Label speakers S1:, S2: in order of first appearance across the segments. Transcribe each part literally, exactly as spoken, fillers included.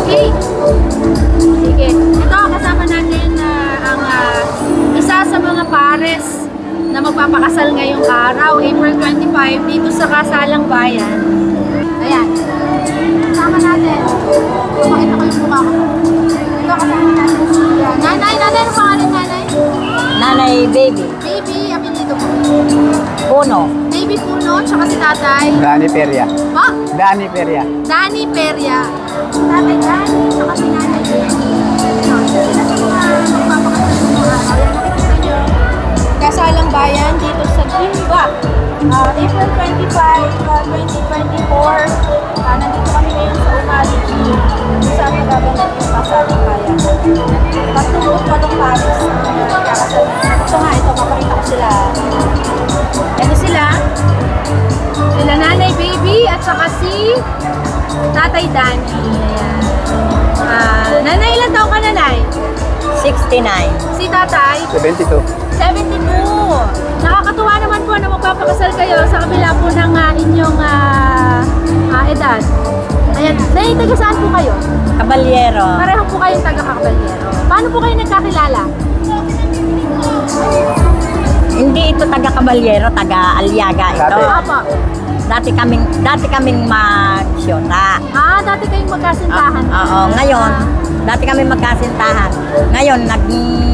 S1: Okay. Sige. Ito, kasama natin uh, ang uh, isa sa mga pares na magpapakasal ngayong araw, April twenty-five, dito sa Kasalang Bayan. Ayan. Kasama natin. Pakita ko yung mukha ko. Ito, kasama natin si uh, Nanay. Nanay, ano pangalan Nanay?
S2: Nanay Baby.
S1: Baby, apelido po.
S2: Puno.
S1: Baby Puno, tsaka si Tatay.
S3: Dani Peria.
S1: Oh,
S3: Dani Peria.
S1: Dani Peria. Tatay Dani, tsaka si Nanay Baby. Ito, sila sa mga magpapakasal ng mga araw. Yan, makikita nyo. Kasalang Bayan dito sa Gimba. Uh, April twenty-five, uh, twenty twenty-four. Uh, nandito kami ngayon sa Umali. Saan nagaganap yung Kasalang Bayan. Patungkot pa ng Paris. Uh, kakasal. Ito nga, ito, mapakita ko sila. Ito sila. Sila Nanay Baby at saka si Tatay Dani. Ayan. Uh, nanay, ilan taong ka Nanay?
S2: sixty-nine.
S1: Si Tatay?
S3: seventy-two.
S1: seventy-two. Nakakatuwa naman po na magpapakasal kayo sa kabila po ng uh, inyong uh, uh, edad. Ayan. Nay, taga saan po kayo?
S2: Kabalyero.
S1: Pareho po kayong taga Kabalyero. Paano po kayo nagkakilala?
S2: Hindi ito taga Kabalyero, taga Aliaga ito.
S3: Dati.
S1: Opo.
S2: Dati kaming dati kaming magsyota.
S1: Ah, dati kayong magkasintahan.
S2: Oo, oo. Ngayon, dati kami magkasintahan. Ngayon, nag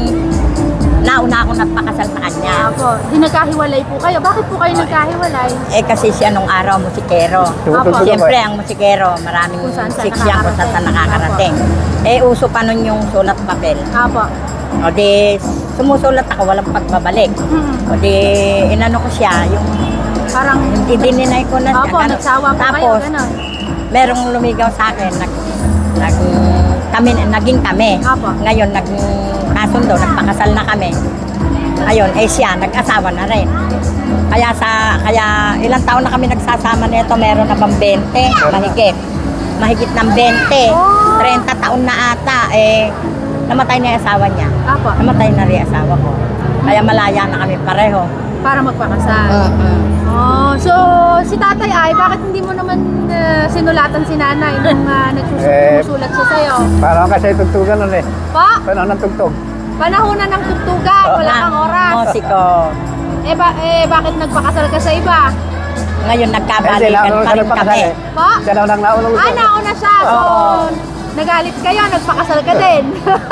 S2: nauna ako nagpakasal sa kanya.
S1: Opo. Di nagkahiwalay po kayo. Bakit po kayo nagkahiwalay?
S2: Eh kasi siya nung araw musikero.
S1: Apo.
S2: Siyempre ang musikero, maraming
S1: Kung saan saan
S2: siksyan kung saan saan nakakarating. Eh uso pa nun yung sulat papel.
S1: Opo.
S2: O di sumusulat ako, walang pagbabalik.
S1: Hmm.
S2: O di inano ko siya, yung
S1: Parang,
S2: hindi dininay ko na
S1: opo,
S2: ano.
S1: nagsawa po kayo,
S2: Tapos,
S1: gano'n.
S2: merong lumigaw sa akin, nag, nag, kami, naging kami.
S1: Apo.
S2: Ngayon, nag, kasundo, nagpakasal na kami. Ayun, eh siya, nag-asawa na rin. Kaya sa, kaya ilang taon na kami nagsasama nito, meron na bang twenty, mahigit. Mahigit ng twenty,
S1: Oh.
S2: thirty taon na ata, eh, namatay na yung asawa niya.
S1: Apo.
S2: Namatay na rin yung asawa ko. Kaya malaya na kami pareho.
S1: Para magpakasal.
S2: Mm-mm.
S1: Oh, so si tatay ay, bakit hindi mo naman uh, sinulatan si nanay nung uh, nagsusulat siya sa'yo?
S3: Parang kasi tugtugan nun eh.
S1: Pa,
S3: Panahon ng tugtog.
S1: panahonan ng tugtugan, wala kang oras.
S2: Musiko.
S1: Eh, ba, eh, bakit nagpakasal ka sa iba?
S2: Ngayon,
S3: Kasi
S2: nagkabalikan
S3: naunang
S2: pa
S3: sa
S2: rin
S3: nagpakasal
S2: kami.
S3: eh.
S1: Pa,
S3: Siya daw nang naunang
S1: ah, nauna siya. So,
S2: Oo.
S1: nagalit kayo, nagpakasal ka din.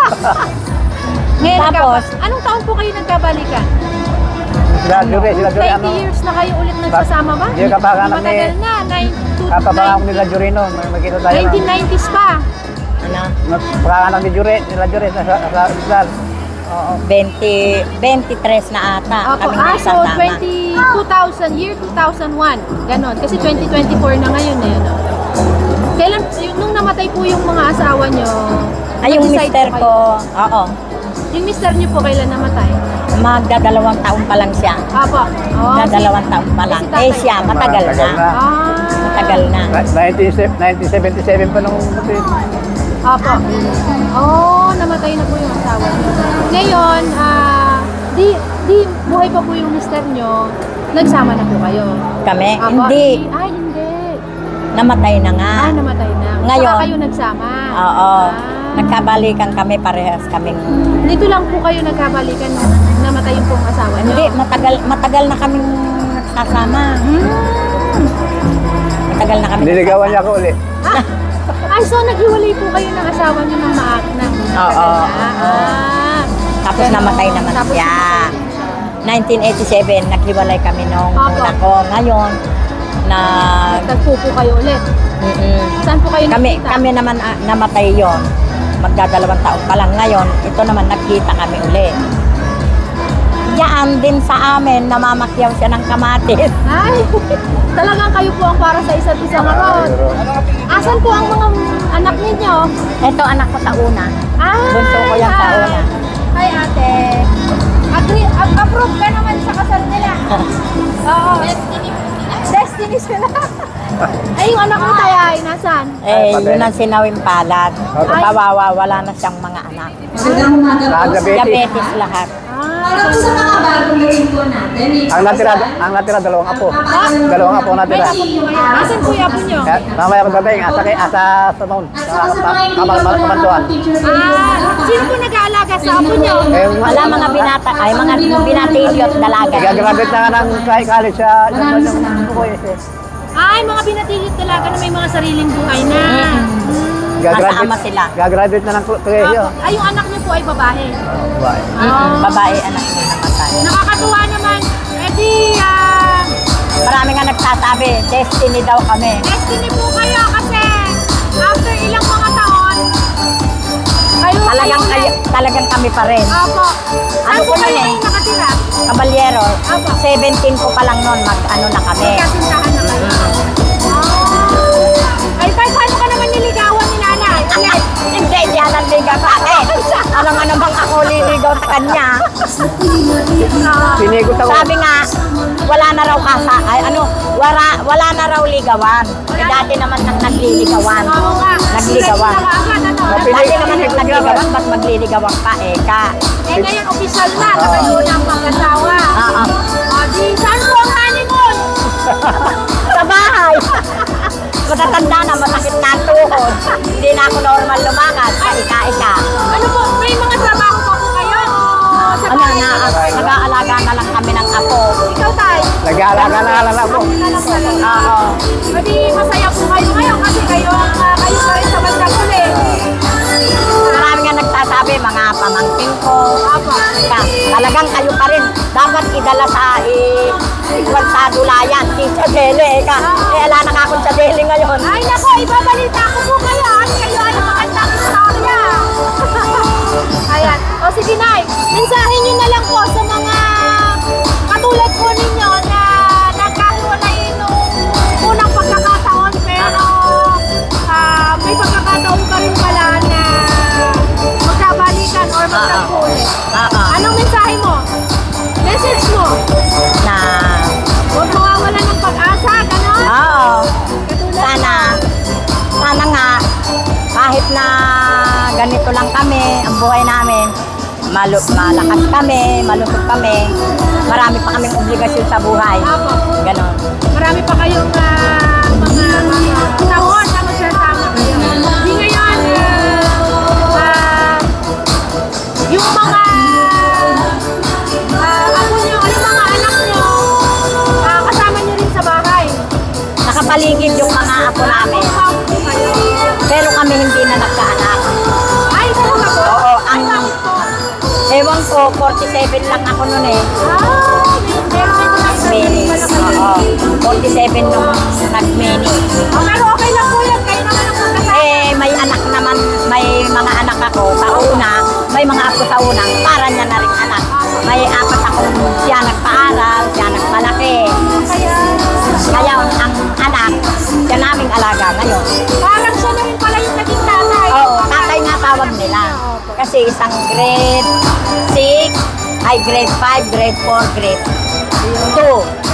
S1: Ngayon,
S2: Tapos,
S1: nagkaba- anong taon po kayo nagkabalikan?
S3: Sila Jure, sila Jure ano.
S1: twenty years na kayo ulit nagsasama ba?
S3: Hindi ka pa anak ni-
S1: Matagal na, nine- two-
S3: Kapabangan ko nila Jure noon. Magkita tayo.
S1: nineteen nineties pa.
S2: Ano?
S3: Pagkakanak ni Jure, nila Jure sa, sa, sa Islam.
S2: Oo, twenty, twenty-three na ata.
S1: Opo,
S2: Kami
S1: ah, so
S2: nagsasama.
S1: twenty, two thousand, year two thousand one. Ganon. Kasi twenty twenty-four na ngayon eh. No? Kailan, yung, nung namatay po yung mga asawa nyo,
S2: Ay, yung
S1: nag-decide
S2: mister
S1: po kayo?
S2: ko, oo,
S1: Yung mister nyo po kailan namatay?
S2: magdadalawang taon pa lang siya.
S1: Apo. Oh,
S2: Magdadalawang taon pa lang.
S1: si tatay.
S2: Eh siya, matagal na.
S3: Matagal na.
S1: Ah.
S2: Matagal na.
S3: nineteen seventy-seven pa nung kasi.
S1: Apo. Oh, namatay na po yung asawa nyo. Ngayon, ah, di, di, buhay pa po yung mister nyo, nagsama na po kayo.
S2: Kami,
S1: Apo.
S2: hindi.
S1: Ay, hindi.
S2: Namatay na nga.
S1: Ah, namatay na.
S2: Ngayon.
S1: Saka kayo nagsama.
S2: Oo.
S1: Ah.
S2: Nagkabalikan kami, parehas kaming...
S1: Dito lang po kayo nagkabalikan nung namatay yung pong asawa nyo.
S2: Hindi, matagal matagal na kaming nagsasama.
S1: Hmm.
S2: Matagal na kami
S3: Niligawan niya ako uli.
S1: Ah, ay, so naghiwalay po kayo ng asawa nyo ng maak na.
S2: Oo, oo.
S1: Ah.
S2: Tapos
S1: Ganon.
S2: namatay naman
S1: Tapos
S2: siya.
S1: namatay din siya.
S2: nineteen eighty-seven, naghiwalay kami nung
S1: Opo.
S2: una ko. Ngayon, na...
S1: Nagtagpo po kayo ulit.
S2: Mm-mm.
S1: Saan po kayo
S2: Kami,
S1: nakita?
S2: kami naman ah, namatay yon. Magdadalawang taon pa lang ngayon. Ito naman, nagkita kami ulit. Diyan din sa amin, namamakyaw siya ng kamatis.
S1: Ay, talagang kayo po ang para sa isa't isa ngayon. Asan po ang mga anak ninyo?
S2: Ito, anak ko sa una.
S1: Ah,
S2: Bunso ko yan sa una.
S1: Hi ate. Agree, ap- approve ka naman sa kasal nila. Oo. Destiny Destiny sila. Ay, yung anak mo tayo ay nasan?
S2: Eh, yun ang sinawing palad.
S3: Ay.
S2: Kawawa, wala na siyang mga anak.
S3: Diabetes.
S2: Diabetes lahat.
S1: Para po sa mga bagong laging po natin, may
S3: Ang natira, ang natira dalawang apo. Dalawang apo
S1: May
S3: natira.
S1: apo po kayo. Nasaan po yung apo nyo?
S3: Kaya, mamaya ko dating, asa, kay- asa sa noon.
S1: At
S3: Sa
S1: saka sa mga hindi
S3: kamal-
S1: pa
S3: kamanduan.
S1: picture
S2: Ah,
S1: sino po nag-aalaga sa apo nyo?
S3: Eh,
S2: Wala mga binata, ay mga binatilyo at dalaga.
S3: Gagraduate na nga ng kahit college sa sa sa ko eh.
S1: Ay, mga binatilit talaga na may mga sariling buhay na.
S2: Kasama sila.
S3: Gagraduate na ng kolehiyo.
S1: Apo. Ay, yung anak niyo po ay babae.
S3: Bye.
S2: Mm, babae, anak ko namatay.
S1: Nakakatuwa naman. Eh di, ah,
S2: Marami nga nagsasabi, destiny daw kami.
S1: destiny po kayo kasi after ilang mga taon, kayo
S2: Talagang,
S1: kayo
S2: kayo, talagang kami pa rin.
S1: Apo. Saan
S2: Ano
S1: po
S2: ko
S1: kayo
S2: nun eh?
S1: ngayon nakatira?
S2: Kabalyero,
S1: Apo.
S2: seventeen ko pa lang noon, mag ano na kami.
S1: Kasintahan na kayo. Oh. Ay, tay, paano ka naman niligawan ni nanay? Ulit.
S2: Hindi, di alam ligaw sa akin. Ano nga namang ako liligaw sa kanya.
S3: Pinigot ako.
S2: Sabi nga, wala na raw kasa, ay ano, wala, wala na raw ligawan. Eh, dati naman nang nagliligawan.
S1: Oo nga.
S2: Nagligawan.
S1: Sila agad, ano?
S2: Dati naman nang nagliligawan, ba't magliligawan pa eh ka?
S1: Eh, ngayon, official na. Na kayo na ang mag-asawa.
S2: Oo.
S1: O, di, saan po ang honeymoon?
S2: Sa bahay. Matatanda na, masakit na ang tuhod. Hindi na ako normal lumakad sa ika-ika.
S1: Ano po, may mga trabaho pa po kayo? O, sa
S2: Ano
S1: bahay
S2: na,
S1: lang kayo?
S2: nag-aalaga na lang kami ng apo.
S1: Ikaw, tay.
S3: Nag-aalaga na lang ako.
S1: Ako na lang talaga.
S2: Oo.
S1: O, di, masaya po kayo ngayon kasi kayo, ang, ah, kayo pa rin sa bandang huli.
S2: Marami nga nagsasabi, mga pamangkin ko.
S1: Apo.
S2: Ka, talagang kayo pa rin. Dapat idala sa i ikwan sa dulayan. Si sa Dele, eh ka. Eh, ala na nga akong sa Dele ngayon.
S1: Ay, nako, ibabalita ko po kayo. At kayo ay magandang istorya. Ayan. O, sige, Nay. Mensahe nyo na lang po sa mga katulad po ninyo na nagkahiwalay nung unang pagkakataon pero ah, may pagkakataon pa rin pala na magkabalikan or magtagpo ulit.
S2: Oo.
S1: Anong mensahe mo? Message mo?
S2: Na,
S1: Huwag mawawala ng pag-asa, gano'n?
S2: oo.
S1: Katulad
S2: Sana, sana nga, kahit na ganito lang kami, ang buhay namin, malu malakas kami, malusog kami, marami pa kaming obligasyon sa buhay.
S1: Apo.
S2: Ganon.
S1: Marami pa kayong ah, mga mga taon na magsasama kayo. Di ngayon, ah, ah, yung mga ah, ako nyo, yung mga anak nyo, ah, kasama nyo rin sa bahay.
S2: Nakapaligid yung mga apo namin.
S1: Kasama po kayo.
S2: Pero kami hindi na nagkaanak.
S1: Ay, talaga po?
S2: Oo,
S1: Ay,
S2: ang-
S1: bakit po?
S2: Ewan ko, forty-seven lang ako noon eh.
S1: Ah, may meron ito ng
S2: Mini.
S1: pala kayo.
S2: Oo. forty-seven nung nag-mini.
S1: Ah, pero okay lang po yan. Kayo naman ang magkasama.
S2: Eh, may anak naman, may mga anak ako sa una, may mga ako sa unang, para niya na rin anak. May apat akong siya nagpaaral, siya nagpalaki.
S1: Kaya,
S2: Kaya ang anak, siya naming alaga ngayon.
S1: parang siya na rin pala yung naging tatay.
S2: Oo, tatay nga tawag nila. Kasi isang grade six, ay grade five, grade four, grade two.